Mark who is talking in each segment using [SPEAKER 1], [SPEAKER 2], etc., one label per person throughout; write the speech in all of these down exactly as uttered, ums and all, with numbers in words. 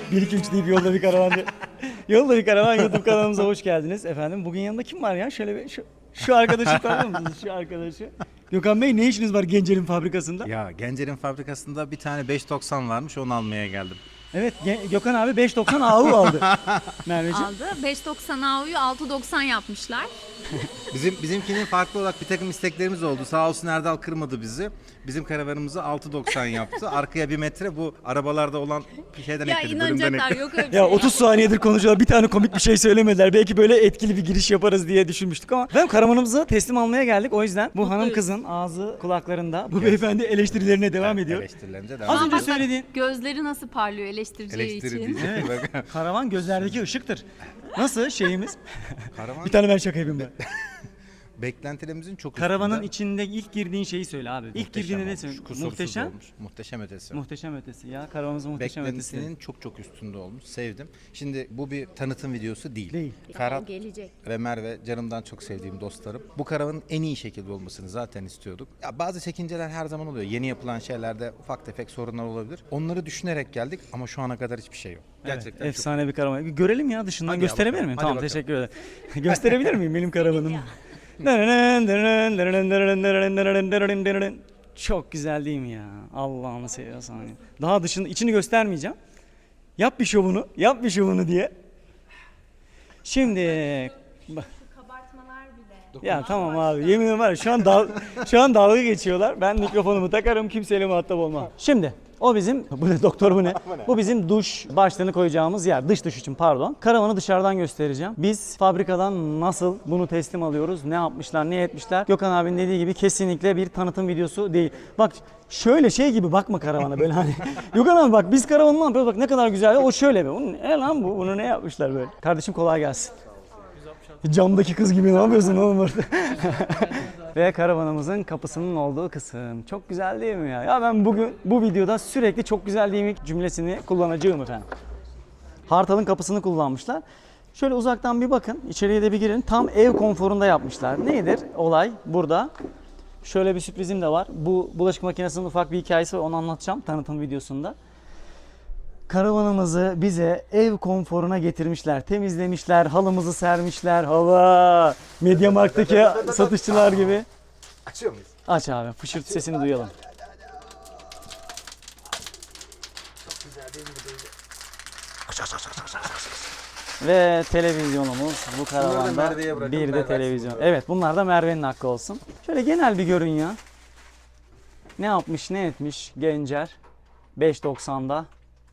[SPEAKER 1] bir iki üç deyip yolda bir karavan. Yolda bir karavan YouTube kanalımıza hoş geldiniz efendim. Bugün yanında kim var ya? Şöyle bir şu, şu arkadaşı tanıyor musunuz? Şu arkadaşı. Gökhan Bey ne işiniz var Gencer'in fabrikasında?
[SPEAKER 2] Ya Gencer'in fabrikasında bir tane beş doksan varmış, onu almaya geldim.
[SPEAKER 1] Evet Gökhan abi beş doksan A U aldı. Merveciğim.
[SPEAKER 3] Aldı. beş doksan A U'yu altı doksan yapmışlar.
[SPEAKER 2] Bizim bizimkinin farklı olarak bir takım isteklerimiz oldu. Sağ olsun Erdal kırmadı bizi. Bizim karavanımızı altı doksan yaptı. Arkaya bir metre bu arabalarda olan bir şeyden
[SPEAKER 3] Ya
[SPEAKER 2] ekledi. Bölümden
[SPEAKER 3] inanacaklar
[SPEAKER 2] ekledi.
[SPEAKER 3] yok öyle bir
[SPEAKER 1] Ya
[SPEAKER 3] şey.
[SPEAKER 1] otuz saniyedir konuşuyorlar. Bir tane komik bir şey söylemediler. Belki böyle etkili bir giriş yaparız diye düşünmüştük ama ben karavanımızı teslim almaya geldik. O yüzden bu hanım kızın ağzı kulaklarında. Bu beyefendi eleştirilerine devam ediyor.
[SPEAKER 2] Eleştirilerimize
[SPEAKER 1] Az
[SPEAKER 2] devam
[SPEAKER 1] önce
[SPEAKER 3] Ama bak,
[SPEAKER 1] söylediğin
[SPEAKER 3] gözleri nasıl parlıyor eleştireceği
[SPEAKER 2] Eleştiri
[SPEAKER 3] için.
[SPEAKER 2] diyecek.
[SPEAKER 1] Evet. Karavan gözlerdeki ışıktır. Nasıl şeyimiz?
[SPEAKER 2] Karavan
[SPEAKER 1] Bir tane ben şaka yapayım ben.
[SPEAKER 2] beklentilerimizin çok
[SPEAKER 1] Karavanın
[SPEAKER 2] üstünde.
[SPEAKER 1] içinde ilk girdiğin şeyi söyle abi. İlk
[SPEAKER 2] Muhteşem
[SPEAKER 1] girdiğinde ne
[SPEAKER 2] olmuş,
[SPEAKER 1] söylüyorsun?
[SPEAKER 2] kusursuz
[SPEAKER 1] Muhteşem.
[SPEAKER 2] olmuş. Muhteşem ötesi.
[SPEAKER 1] Muhteşem ötesi ya. Karavanımızın muhteşem ötesi.
[SPEAKER 2] Beklentisinin çok çok üstünde olmuş. Sevdim. Şimdi bu bir tanıtım videosu değil.
[SPEAKER 1] Değil.
[SPEAKER 2] Ferhat
[SPEAKER 3] O gelecek.
[SPEAKER 2] ve Merve canımdan çok sevdiğim dostlarım. Bu karavanın en iyi şekilde olmasını zaten istiyorduk. Ya bazı çekinceler her zaman oluyor. Yeni yapılan şeylerde ufak tefek sorunlar olabilir. Onları düşünerek geldik ama şu ana kadar hiçbir şey yok. Gerçekten
[SPEAKER 1] Evet,
[SPEAKER 2] çok.
[SPEAKER 1] efsane bir karavan. Bir görelim ya dışından.
[SPEAKER 2] Hadi ya,
[SPEAKER 1] gösterebilir
[SPEAKER 2] bakalım.
[SPEAKER 1] miyim?
[SPEAKER 2] Hadi
[SPEAKER 1] Tamam
[SPEAKER 2] bakalım.
[SPEAKER 1] teşekkür ederim. Gösterebilir miyim benim karavanımı? Çok güzel değil mi ya? Allah'ını seviyorsan ya. Daha dışını, içini göstermeyeceğim. Yap bir şovunu, yap bir şovunu diye. Şimdi bak-
[SPEAKER 3] Kabartmalar bile.
[SPEAKER 1] ya tamam abi yemin ederim var ya, şu an dal, şu an dalga geçiyorlar. Ben mikrofonumu takarım, kimseyle muhatap olmam. Şimdi o bizim bu ne doktor bu ne? Bu bizim duş başlığını koyacağımız yer. Dış duş için pardon. Karavanı dışarıdan göstereceğim. Biz fabrikadan nasıl bunu teslim alıyoruz? Ne yapmışlar, ne etmişler? Gökhan abinin dediği gibi kesinlikle bir tanıtım videosu değil. Bak şöyle şey gibi bakma karavana böyle hani. Gökhan abi bak biz karavanı ne yapıyoruz? Bak ne kadar güzel. O şöyle be. Bunun, e lan bu. Bunu ne yapmışlar böyle? Kardeşim kolay gelsin. Camdaki kız gibi ne yapıyorsun oğlum orada? Ve karavanımızın kapısının olduğu kısım. Çok güzel değil mi ya? Ya ben bugün bu videoda sürekli çok güzel değil mi cümlesini kullanacağım efendim. Hartal'ın kapısını kullanmışlar. Şöyle uzaktan bir bakın, içeriye de bir girin. Tam ev konforunda yapmışlar. Nedir olay burada? Şöyle bir sürprizim de var. Bu bulaşık makinesinin ufak bir hikayesi var. Onu anlatacağım tanıtım videosunda. Karavanımızı bize ev konforuna getirmişler, temizlemişler, halımızı sermişler. Hava, Mediamarkt'taki satışçılar gibi.
[SPEAKER 2] Açıyor muyuz?
[SPEAKER 1] Aç abi, fışırtı sesini duyalım. Ve televizyonumuz bu karavanda
[SPEAKER 2] Merve'ye bırakın,
[SPEAKER 1] bir de
[SPEAKER 2] Merve
[SPEAKER 1] televizyon.
[SPEAKER 2] açsın.
[SPEAKER 1] Evet bunlar da Merve'nin hakkı olsun. Şöyle genel bir görün ya. Ne yapmış ne etmiş Gencer beş doksanda.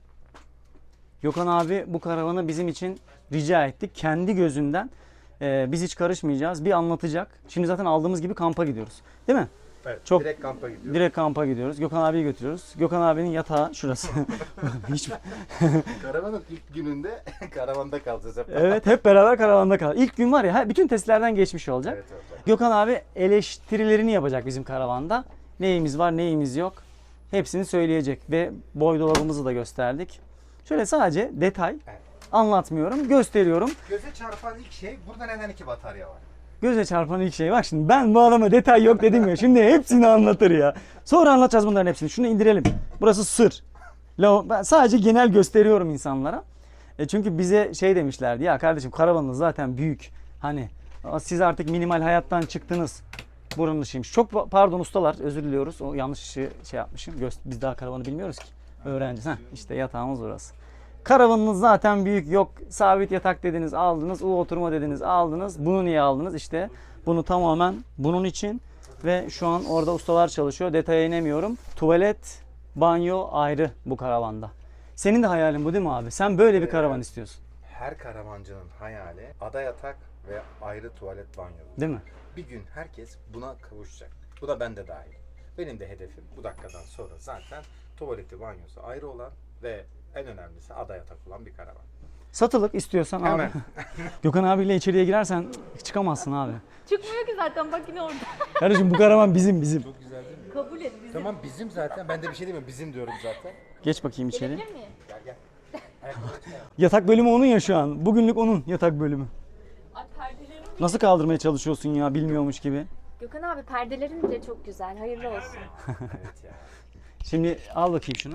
[SPEAKER 1] Gökhan abi bu karavanı bizim için rica ettik. Kendi gözünden e, biz hiç karışmayacağız. Bir anlatacak. Şimdi zaten aldığımız gibi kampa gidiyoruz. Değil mi?
[SPEAKER 2] Evet.
[SPEAKER 1] Çok-
[SPEAKER 2] Direkt kampa gidiyoruz.
[SPEAKER 1] Direkt kampa gidiyoruz. Gökhan abiyi götürüyoruz. Gökhan abinin yatağı şurası. Hiç...
[SPEAKER 2] Karavanın ilk gününde karavanda kalacağız hep.
[SPEAKER 1] Evet hep beraber karavanda kal. İlk gün var ya he- bütün testlerden geçmiş olacak.
[SPEAKER 2] Evet, evet, evet.
[SPEAKER 1] Gökhan abi eleştirilerini yapacak bizim karavanda. Neyimiz var neyimiz yok. Hepsini söyleyecek ve boy dolabımızı da gösterdik. Şöyle sadece detay
[SPEAKER 2] Evet.
[SPEAKER 1] anlatmıyorum, gösteriyorum.
[SPEAKER 2] Göze çarpan ilk şey burada neden iki batarya var?
[SPEAKER 1] Göze çarpan ilk şey. Bak şimdi ben bu adama detay yok dedim ya. Şimdi hepsini anlatır ya. Sonra anlatacağız bunların hepsini. Şunu indirelim. Burası sır. La- Ben sadece genel gösteriyorum insanlara. E çünkü bize şey demişlerdi. Ya kardeşim karavanınız zaten büyük. Hani siz artık minimal hayattan çıktınız. Buranın dışıymış. Çok pa- pardon ustalar. Özür diliyoruz. O yanlış işi şey yapmışım. Göz- Biz daha karavanı bilmiyoruz ki. Öğrenciyiz. Heh, işte yatağımız burası. Karavanınız zaten büyük, yok sabit yatak dediniz aldınız, u oturma dediniz aldınız. Bunu niye aldınız? İşte bunu tamamen bunun için ve şu an orada ustalar çalışıyor. Detaya inemiyorum. Tuvalet, banyo ayrı bu karavanda. Senin de hayalin bu değil mi abi? Sen böyle bir karavan istiyorsun.
[SPEAKER 2] Her karavancının hayali ada yatak ve ayrı tuvalet banyo.
[SPEAKER 1] Değil mi?
[SPEAKER 2] Bir gün herkes buna kavuşacak. Bu da bende dahil. Benim de hedefim bu dakikadan sonra zaten tuvaleti banyosu ayrı olan ve en önemlisi ada yatak olan bir karavan.
[SPEAKER 1] Satılık istiyorsan abi.
[SPEAKER 2] Hemen.
[SPEAKER 1] Gökhan abiyle içeriye girersen çıkamazsın abi.
[SPEAKER 3] Çıkmıyor ki zaten bak yine orada.
[SPEAKER 1] Kardeşim bu karavan bizim bizim.
[SPEAKER 2] Çok güzel değil mi?
[SPEAKER 3] Kabul et bizi.
[SPEAKER 2] Tamam bizim zaten. Ben de bir şey demiyorum. Bizim diyorum zaten.
[SPEAKER 1] Geç bakayım içeri.
[SPEAKER 3] Gelebilir miyim?
[SPEAKER 2] Gel gel. Ayakkabı çıkar.
[SPEAKER 1] Yatak bölümü onun ya şu an. Bugünlük onun yatak bölümü.
[SPEAKER 3] Ay perdelerim.
[SPEAKER 1] Nasıl kaldırmaya çalışıyorsun ya bilmiyormuş gibi.
[SPEAKER 3] Gökhan abi perdelerin bile çok güzel. Hayırlı olsun.
[SPEAKER 2] Evet ya.
[SPEAKER 1] Şimdi al bakayım şunu.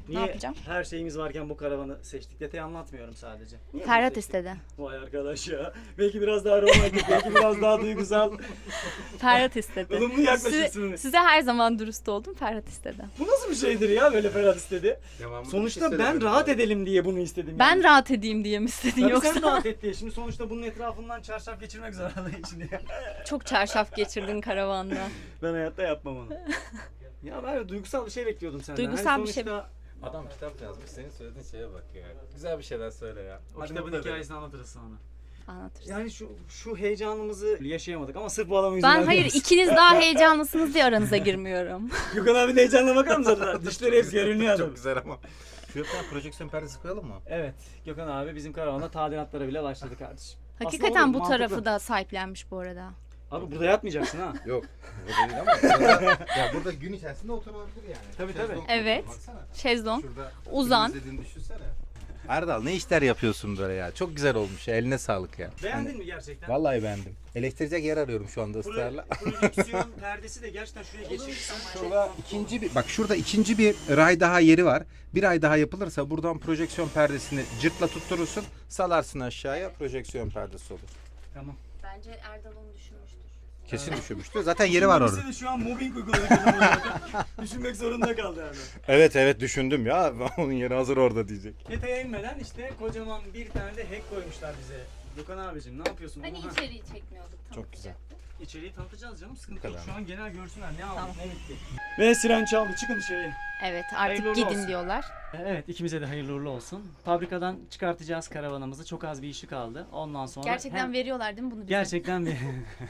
[SPEAKER 1] Niye
[SPEAKER 4] yapacağım?
[SPEAKER 1] her şeyimiz varken bu karavanı seçtik? Detayı anlatmıyorum sadece. Niye bunu
[SPEAKER 4] Ferhat
[SPEAKER 1] seçtik?
[SPEAKER 4] istedi.
[SPEAKER 1] Vay arkadaş ya. Belki biraz daha romantik, belki biraz daha duygusal.
[SPEAKER 4] Ferhat istedi.
[SPEAKER 1] Olumlu yaklaşırsın.
[SPEAKER 4] Size, size her zaman dürüst oldum. Ferhat istedi.
[SPEAKER 1] Bu nasıl bir şeydir ya böyle Ferhat istedi?
[SPEAKER 2] Devamında bir
[SPEAKER 1] Sonuçta
[SPEAKER 2] şey
[SPEAKER 1] ben
[SPEAKER 2] söylemedim
[SPEAKER 1] rahat
[SPEAKER 2] abi.
[SPEAKER 1] edelim diye bunu istedim.
[SPEAKER 4] Ben
[SPEAKER 1] yani.
[SPEAKER 4] rahat edeyim diye mi istedin
[SPEAKER 1] Tabii
[SPEAKER 4] yoksa?
[SPEAKER 1] sen rahat et diye. Şimdi sonuçta bunun etrafından çarşaf geçirmek zorundayım şimdi.
[SPEAKER 4] Çok çarşaf geçirdin karavanda.
[SPEAKER 1] Ben hayatta yapmam onu. Ya ben duygusal bir şey bekliyordum senden.
[SPEAKER 4] Duygusal
[SPEAKER 1] Hani
[SPEAKER 4] bir şey-
[SPEAKER 1] sonuçta
[SPEAKER 2] Adam kitap yazmış. Senin söylediğin şeye bak ya. Güzel bir şeyler söyle ya.
[SPEAKER 1] o
[SPEAKER 2] Bak,
[SPEAKER 1] kitabın
[SPEAKER 2] ne bu da
[SPEAKER 1] hikayesini anlatırız sonra.
[SPEAKER 4] Anlatırsın.
[SPEAKER 1] Yani şu şu heyecanımızı yaşayamadık ama sırf bu adamın yüzünden
[SPEAKER 4] Ben hayır
[SPEAKER 1] diyoruz.
[SPEAKER 4] ikiniz daha heyecanlısınız diye aranıza girmiyorum.
[SPEAKER 1] Gökhan abi heyecanla bakar mısın zaten? Dişleri hepsi görünüyor adam.
[SPEAKER 2] Çok güzel ama. Şuraya bir tane projeksiyon perdesi koyalım mı?
[SPEAKER 1] Evet, Gökhan abi bizim karavanda tadilatlara bile başladı kardeşim. Aslında
[SPEAKER 4] Hakikaten
[SPEAKER 1] olur,
[SPEAKER 4] bu
[SPEAKER 1] mantıklı.
[SPEAKER 4] tarafı da sahiplenmiş bu arada.
[SPEAKER 1] Abi burada yatmayacaksın ha.
[SPEAKER 2] Yok. Burada değil ama. Burada, ya burada gün içerisinde oturulabilir yani.
[SPEAKER 1] Tabii, tabii.
[SPEAKER 2] Şezlong
[SPEAKER 4] Evet.
[SPEAKER 2] Baksana.
[SPEAKER 4] Şezlong.
[SPEAKER 2] Şurada
[SPEAKER 4] Uzan.
[SPEAKER 2] film izlediğini düşünsene. Erdal ne işler yapıyorsun böyle ya? Çok güzel olmuş ya. Eline sağlık ya.
[SPEAKER 1] Beğendin mi gerçekten?
[SPEAKER 2] Vallahi beğendim. Eleştirecek yer arıyorum şu anda ısrarla.
[SPEAKER 1] Projeksiyon perdesi de gerçekten şuraya geçirsen.
[SPEAKER 2] Şurada ikinci bir bak şurada ikinci bir ray daha yeri var. Bir ay daha yapılırsa buradan projeksiyon perdesini cırtla tutturursun. Salarsın aşağıya projeksiyon perdesi olur.
[SPEAKER 1] Tamam.
[SPEAKER 4] Bence Erdal onu düşünmüştür.
[SPEAKER 2] Kesin düşünmüştür. Zaten yeri var orada.
[SPEAKER 1] Kimisi de şu an mobbing uyguladı. Gökhan abi. Düşünmek zorunda kaldı yani.
[SPEAKER 2] Evet evet düşündüm ya. Onun yeri hazır orada diyecek.
[SPEAKER 1] Detaya inmeden işte kocaman bir tane de hack koymuşlar bize. Gökhan abicim ne yapıyorsun?
[SPEAKER 4] Hani
[SPEAKER 1] bunu? Ha,
[SPEAKER 4] içeriği çekmiyorduk.
[SPEAKER 2] Çok güzel.
[SPEAKER 1] İçeriği tanıtacağız canım sıkıntı
[SPEAKER 2] Bu
[SPEAKER 1] yok.
[SPEAKER 2] kadar.
[SPEAKER 1] Şu an genel görsünler ne aldık
[SPEAKER 4] Tamam.
[SPEAKER 1] ne bitti. Ve siren çaldı çıkın dışarıya.
[SPEAKER 4] Evet
[SPEAKER 1] Hayırlı
[SPEAKER 4] artık gidin
[SPEAKER 1] olsun.
[SPEAKER 4] diyorlar.
[SPEAKER 1] Evet ikimize de hayırlı uğurlu olsun. Fabrikadan çıkartacağız karavanımızı. Çok az bir işi kaldı. Ondan sonra
[SPEAKER 4] Gerçekten
[SPEAKER 1] hem-
[SPEAKER 4] veriyorlar değil mi bunu bize?
[SPEAKER 1] gerçekten bir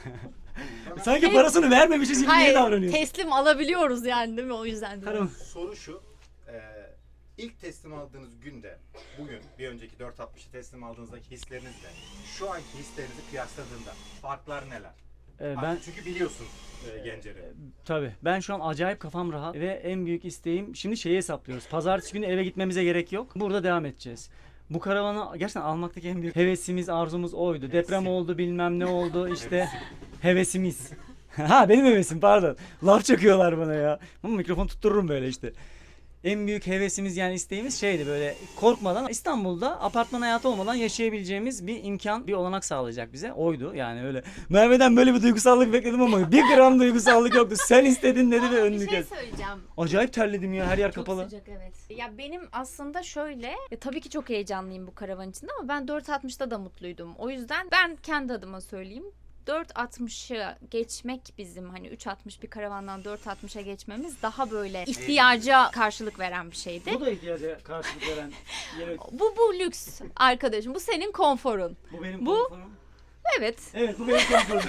[SPEAKER 1] sanki parasını vermemişiz gibi niye
[SPEAKER 4] Hayır
[SPEAKER 1] davranıyorsun?
[SPEAKER 4] teslim alabiliyoruz yani değil mi o yüzden diyorum.
[SPEAKER 1] Karavan.
[SPEAKER 2] Soru şu. E, ilk teslim aldığınız günde, bugün bir önceki dört altmışı teslim aldığınızdaki hislerinizle şu anki hislerinizi kıyasladığında farklar neler?
[SPEAKER 1] Ee, ben
[SPEAKER 2] Ben çünkü biliyorsun e, Gencer'i.
[SPEAKER 1] tabii ben şu an acayip kafam rahat ve en büyük isteğim şimdi şeyi hesaplıyoruz. Pazartesi günü eve gitmemize gerek yok. Burada devam edeceğiz. Bu karavanı gerçekten almaktaki en büyük hevesimiz, arzumuz oydu. Deprem oldu, bilmem ne oldu işte hevesimiz. Ha benim hevesim pardon. Laf çakıyorlar bana ya. Ama mikrofon tuttururum böyle işte. En büyük hevesimiz yani isteğimiz şeydi böyle korkmadan İstanbul'da apartman hayatı olmadan yaşayabileceğimiz bir imkan, bir olanak sağlayacak bize. Oydu yani öyle. Merve'den böyle bir duygusallık bekledim ama bir gram duygusallık yoktu. Sen istedin dedi ve önünü
[SPEAKER 4] Bir şey
[SPEAKER 1] kes.
[SPEAKER 4] söyleyeceğim.
[SPEAKER 1] Acayip terledim ya her yer
[SPEAKER 4] Çok
[SPEAKER 1] kapalı.
[SPEAKER 4] sıcak evet. Ya benim aslında şöyle, ya tabii ki çok heyecanlıyım bu karavan içinde ama ben dört altmışta da mutluydum. O yüzden ben kendi adıma söyleyeyim. dört altmışı geçmek bizim hani üç altmış bir karavandan dört altmışa geçmemiz daha böyle ihtiyaca karşılık veren bir şeydi.
[SPEAKER 1] Bu da ihtiyaca karşılık veren yeni.
[SPEAKER 4] Bu bu lüks arkadaşım. Bu senin konforun.
[SPEAKER 1] Bu benim
[SPEAKER 4] Bu-
[SPEAKER 1] konforum.
[SPEAKER 4] Evet.
[SPEAKER 1] Evet bu benim konforum.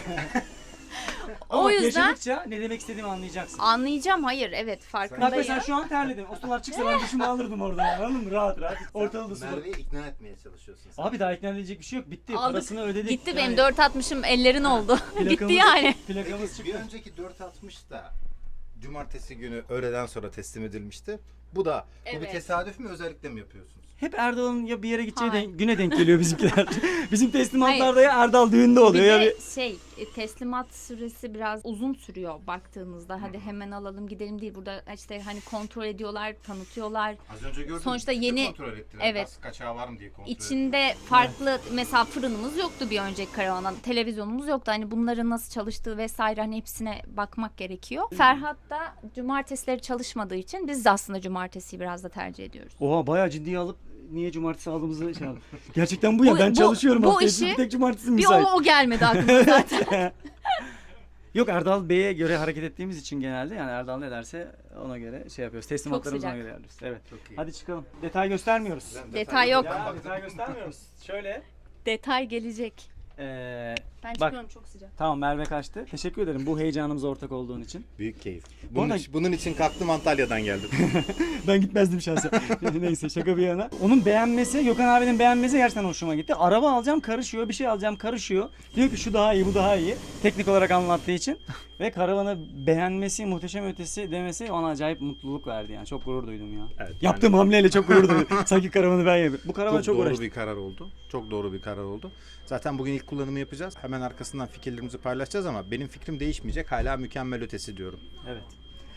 [SPEAKER 4] O
[SPEAKER 1] Ama
[SPEAKER 4] yüzden
[SPEAKER 1] yaşadıkça ne demek istediğimi anlayacaksın.
[SPEAKER 4] anlayacağım. Hayır evet
[SPEAKER 1] Bak
[SPEAKER 4] farkındayım.
[SPEAKER 1] mesela şu an terledim. O sular çıksa ben duşumu alırdım orada yani anladın mı? Rahat rahat. Ortalığı da su.
[SPEAKER 2] Merve'yi ikna etmeye çalışıyorsun sen.
[SPEAKER 1] Abi daha ikna edilecek bir şey yok. Bitti.
[SPEAKER 4] Aldık.
[SPEAKER 1] Parasını ödedik.
[SPEAKER 4] Gitti
[SPEAKER 1] Yani
[SPEAKER 4] benim dört altmışım ellerin oldu. Gitti
[SPEAKER 1] plakamız-
[SPEAKER 4] yani.
[SPEAKER 1] Plakamız
[SPEAKER 2] Bir
[SPEAKER 1] çıktı.
[SPEAKER 2] önceki dört altmış da cumartesi günü öğleden sonra teslim edilmişti. Bu da bu bir
[SPEAKER 4] Evet.
[SPEAKER 2] tesadüf mü özellikle mi yapıyorsunuz?
[SPEAKER 1] Hep Erdal'ın ya bir yere gideceği
[SPEAKER 4] Hayır.
[SPEAKER 1] denk- güne denk geliyor bizimkiler. Bizim teslimatlarda ya Erdal düğünde
[SPEAKER 4] Bir
[SPEAKER 1] oluyor ya
[SPEAKER 4] de
[SPEAKER 1] bir...
[SPEAKER 4] şey e, teslimat süresi biraz uzun sürüyor baktığınızda. Hadi hemen alalım gidelim değil. Burada işte hani kontrol ediyorlar, tanıtıyorlar.
[SPEAKER 2] Az önce gördüm.
[SPEAKER 4] Sonuçta
[SPEAKER 2] tüpü
[SPEAKER 4] yeni-
[SPEAKER 2] kontrol ettiler.
[SPEAKER 4] evet.
[SPEAKER 2] Gaz kaçağı var mı diye kontrol ettiler.
[SPEAKER 4] İçinde farklı mesela fırınımız yoktu bir önceki karavandan. Televizyonumuz yoktu. Hani bunların nasıl çalıştığı vesaire hani hepsine bakmak gerekiyor. Ferhat da cumartesileri çalışmadığı için biz de aslında cumartesiyi biraz da tercih ediyoruz.
[SPEAKER 1] Oha bayağı ciddiye alıp niye cumartesi aldığımızı şey aldım. Gerçekten bu ya
[SPEAKER 4] Bu-
[SPEAKER 1] ben
[SPEAKER 4] bu-
[SPEAKER 1] çalışıyorum
[SPEAKER 4] bu
[SPEAKER 1] hafta içi
[SPEAKER 4] işi-
[SPEAKER 1] bir tek cumartesi
[SPEAKER 4] Bir
[SPEAKER 1] müsait.
[SPEAKER 4] o, o gelmedi aklıma zaten.
[SPEAKER 1] Yok Erdal Bey'e göre hareket ettiğimiz için genelde yani Erdal ne derse ona göre şey yapıyoruz. Teslimatlarımızı ona
[SPEAKER 4] sıcak.
[SPEAKER 1] göre yapıyoruz. Evet.
[SPEAKER 2] Çok iyi.
[SPEAKER 1] Hadi çıkalım. Detay göstermiyoruz.
[SPEAKER 2] Ben
[SPEAKER 4] Detay yok.
[SPEAKER 2] Ben
[SPEAKER 1] Ya
[SPEAKER 2] baktım.
[SPEAKER 1] detay göstermiyoruz. Şöyle.
[SPEAKER 4] Detay gelecek.
[SPEAKER 1] Ee,
[SPEAKER 4] Ben
[SPEAKER 1] Bak.
[SPEAKER 4] çıkıyorum çok sıcak.
[SPEAKER 1] tamam Merve kaçtı. Teşekkür ederim bu heyecanımıza ortak olduğun için.
[SPEAKER 2] Büyük keyif.
[SPEAKER 1] Bu
[SPEAKER 2] Bunun,
[SPEAKER 1] arada-
[SPEAKER 2] için, bunun için kalktım Antalya'dan geldim.
[SPEAKER 1] Ben gitmezdim şahsen. Neyse şaka bir yana. Onun beğenmesi, Gökhan abinin beğenmesi gerçekten hoşuma gitti. Araba alacağım karışıyor, bir şey alacağım karışıyor. Diyor ki şu daha iyi, bu daha iyi. Teknik olarak anlattığı için. Ve karavanı beğenmesi, muhteşem ötesi demesi ona acayip mutluluk verdi yani. Çok gurur duydum ya.
[SPEAKER 2] Evet,
[SPEAKER 1] Yaptığım hamleyle çok gurur duydum. Sanki karavanı ben yapıyorum. Bu karavana
[SPEAKER 2] Çok,
[SPEAKER 1] çok,
[SPEAKER 2] doğru
[SPEAKER 1] uğraştım.
[SPEAKER 2] bir karar oldu. Çok doğru bir karar oldu. Zaten bugün ilk kullanımı yapacağız. Hemen arkasından fikirlerimizi paylaşacağız ama benim fikrim değişmeyecek. Hala mükemmel ötesi diyorum.
[SPEAKER 1] Evet.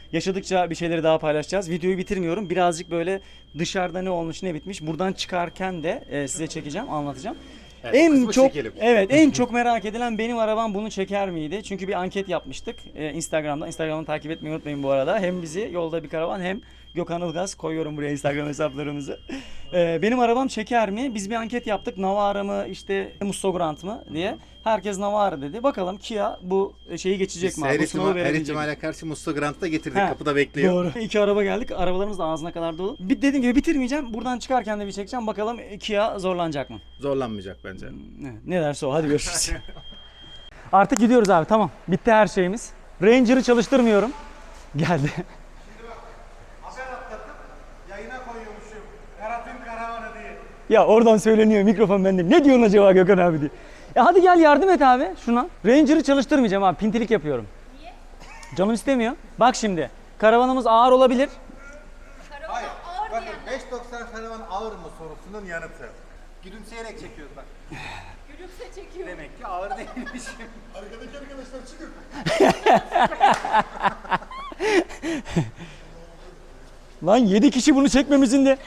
[SPEAKER 1] Yaşadıkça bir şeyleri daha paylaşacağız. Videoyu bitirmiyorum. Birazcık böyle dışarıda ne olmuş ne bitmiş. Buradan çıkarken de e, size çekeceğim, anlatacağım.
[SPEAKER 2] Evet, o
[SPEAKER 1] en
[SPEAKER 2] kısmı
[SPEAKER 1] çok
[SPEAKER 2] çekelim.
[SPEAKER 1] evet en çok merak edilen benim arabam bunu çeker miydi? Çünkü bir anket yapmıştık e, Instagram'da. Instagram'ı takip etmeyi unutmayın bu arada. Hem bizi yolda bir karavan hem Gökhan Ilgaz, koyuyorum buraya Instagram hesaplarımızı. E, benim arabam çeker mi? Biz bir anket yaptık. Navara mı işte Musso Grand mı diye. Herkes Navara dedi. Bakalım Kia bu şeyi geçecek
[SPEAKER 2] Biz
[SPEAKER 1] mi? abi?
[SPEAKER 2] her,
[SPEAKER 1] Bu sınavı
[SPEAKER 2] ihtimal, her
[SPEAKER 1] verebilecek mi?
[SPEAKER 2] ihtimale karşı Musto Grant'ta getirdik.
[SPEAKER 1] Ha,
[SPEAKER 2] Kapıda bekliyor.
[SPEAKER 1] Doğru. İki araba geldik. Arabalarımız da ağzına kadar dolu. Bir dediğim gibi bitirmeyeceğim. Buradan çıkarken de bir çekeceğim. Bakalım Kia zorlanacak mı?
[SPEAKER 2] Zorlanmayacak bence.
[SPEAKER 1] Ne, ne derse o. Hadi görüşürüz. Artık gidiyoruz abi. Tamam. Bitti her şeyimiz. Ranger'ı çalıştırmıyorum. Geldi.
[SPEAKER 5] Haber atlatıp yayına koyuyormuşum. Berat'ın karavanı diye.
[SPEAKER 1] Ya oradan söyleniyor. Mikrofon bende. Ne diyorsun acaba Gökhan abi diye. Ya hadi gel yardım et abi şuna. Ranger'ı çalıştırmayacağım abi. Pintilik yapıyorum. Niye? Canım istemiyor. Bak şimdi. Karavanımız ağır olabilir.
[SPEAKER 5] Hayır. Bakın beş doksan karavan ağır mı sorusunun yanıtı. Gülümseyerek çekiyoruz bak.
[SPEAKER 3] Gülümse çekiyor.
[SPEAKER 5] Demek ki ağır değilmişim.
[SPEAKER 6] Arkadaki arkadaşlar çıkın.
[SPEAKER 1] Lan yedi kişi bunu çekmemizin de.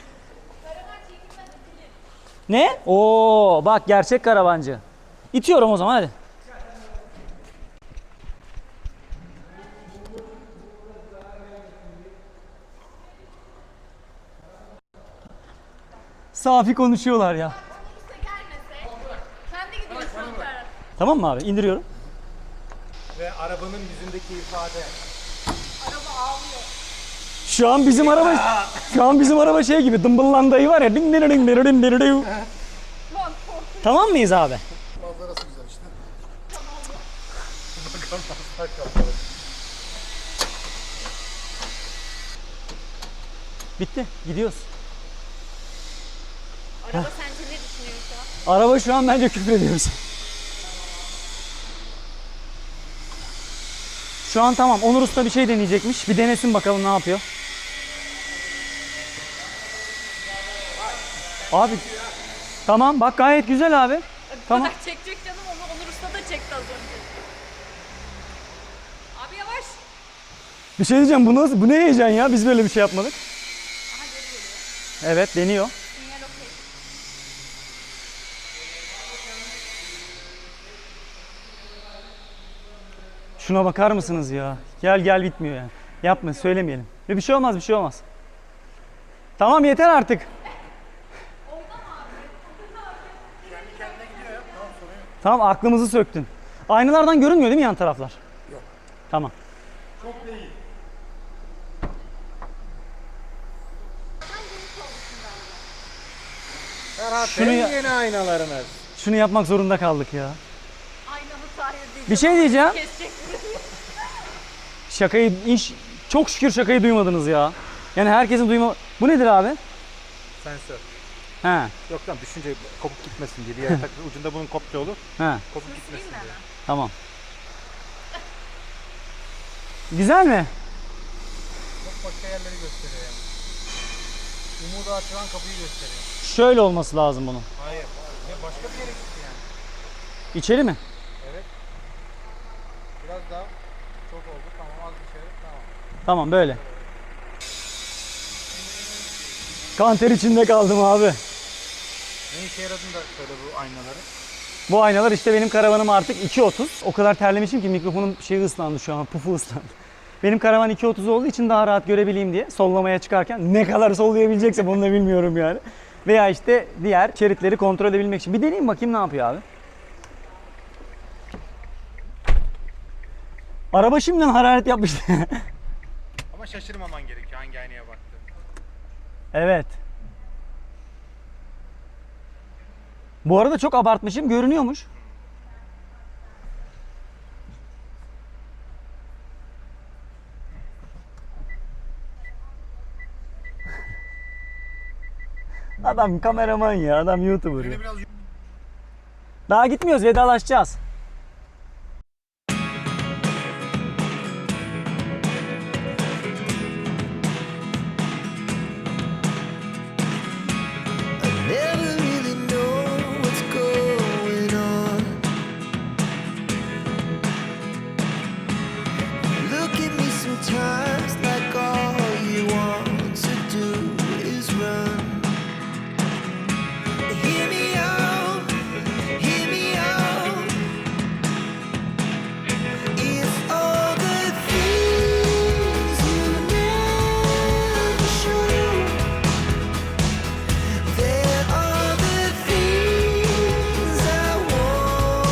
[SPEAKER 1] Ne? Oo bak gerçek karavancı. İtiyorum o zaman hadi. Safi konuşuyorlar ya.
[SPEAKER 3] Kimse gelmese. Kendi gidiyor şu an Ferhat.
[SPEAKER 1] Tamam mı abi? İndiriyorum.
[SPEAKER 5] Ve arabanın yüzündeki ifade.
[SPEAKER 3] Araba ağlıyor.
[SPEAKER 1] Şu an bizim araba şu an bizim araba şey gibi dımbıllan dayı var ya. Ding ding ding ding ding ding ding.
[SPEAKER 3] Lan korktum.
[SPEAKER 1] Tamam mıyız abi?
[SPEAKER 6] Manzarası güzel işte.
[SPEAKER 1] Bitti. Gidiyoruz.
[SPEAKER 3] Araba sence ne düşünüyor şu an?
[SPEAKER 1] Araba şu an bence küfür ediyoruz. Şu an tamam. Onur Usta bir şey deneyecekmiş. Bir denesin bakalım ne yapıyor. Abi. Tamam bak gayet güzel abi. Tamam.
[SPEAKER 3] Bak çekecek canım onu Onur Usta da çekti az önce. Abi yavaş.
[SPEAKER 1] Bir şey diyeceğim. Bu nasıl? Bu ne heyecan ya? Biz böyle bir şey yapmadık.
[SPEAKER 3] Aha geri geliyor.
[SPEAKER 1] Evet deniyor.
[SPEAKER 3] Sinyal okey.
[SPEAKER 1] Şuna bakar mısınız ya? Gel gel bitmiyor yani. Yapma söylemeyelim. Ve bir şey olmaz bir şey olmaz. Tamam yeter artık. Tamam aklımızı söktün. Aynalardan görünmüyor değil mi yan taraflar? Yok. Tamam.
[SPEAKER 5] Ferhat
[SPEAKER 1] Şunu
[SPEAKER 5] Şunu
[SPEAKER 1] ya-
[SPEAKER 5] yeni aynalarınız.
[SPEAKER 1] Şunu yapmak zorunda kaldık ya.
[SPEAKER 3] Aynamı tahir edeceğim.
[SPEAKER 1] Bir şey diyeceğim.
[SPEAKER 3] Kesecek.
[SPEAKER 1] Şakayı iş çok şükür şakayı duymadınız ya. Yani herkesin duyma. Bu nedir abi?
[SPEAKER 5] Sensör.
[SPEAKER 1] He.
[SPEAKER 5] Yok lan düşünce kopuk gitmesin diye. Bir yere takılı ucunda bunun kopya olur.
[SPEAKER 1] He.
[SPEAKER 5] Kopuk gitmesin diye.
[SPEAKER 1] Tamam. Güzel mi?
[SPEAKER 5] Çok başka yerleri gösteriyor yani. Umuda açılan kapıyı gösteriyor.
[SPEAKER 1] Şöyle olması lazım bunun.
[SPEAKER 5] Hayır. Ya başka bir yere gitti yani.
[SPEAKER 1] İçeri mi?
[SPEAKER 5] Biraz daha çok oldu. Tamam az bir şey. Tamam.
[SPEAKER 1] Tamam böyle. Kanter içinde kaldım abi.
[SPEAKER 5] Ne işe yaradığını da söyle bu aynaları.
[SPEAKER 1] Bu aynalar işte benim karavanım artık iki otuz. O kadar terlemişim ki mikrofonun şeyi ıslandı şu an, pufu ıslandı. Benim karavan iki otuz olduğu için daha rahat görebileyim diye sollamaya çıkarken ne kadar sollayabileceksem onu da bilmiyorum yani. Veya işte diğer şeritleri kontrol edebilmek için. Bir deneyeyim bakayım ne yapıyor abi. Araba şimdiden hararet yapmıştı.
[SPEAKER 5] Ama şaşırmaman gerekiyor hangi aynaya baktı.
[SPEAKER 1] Evet. Bu arada çok abartmışım, görünüyormuş. Adam kameraman ya, adam YouTuber ya.
[SPEAKER 5] Biraz
[SPEAKER 1] Daha gitmiyoruz, vedalaşacağız.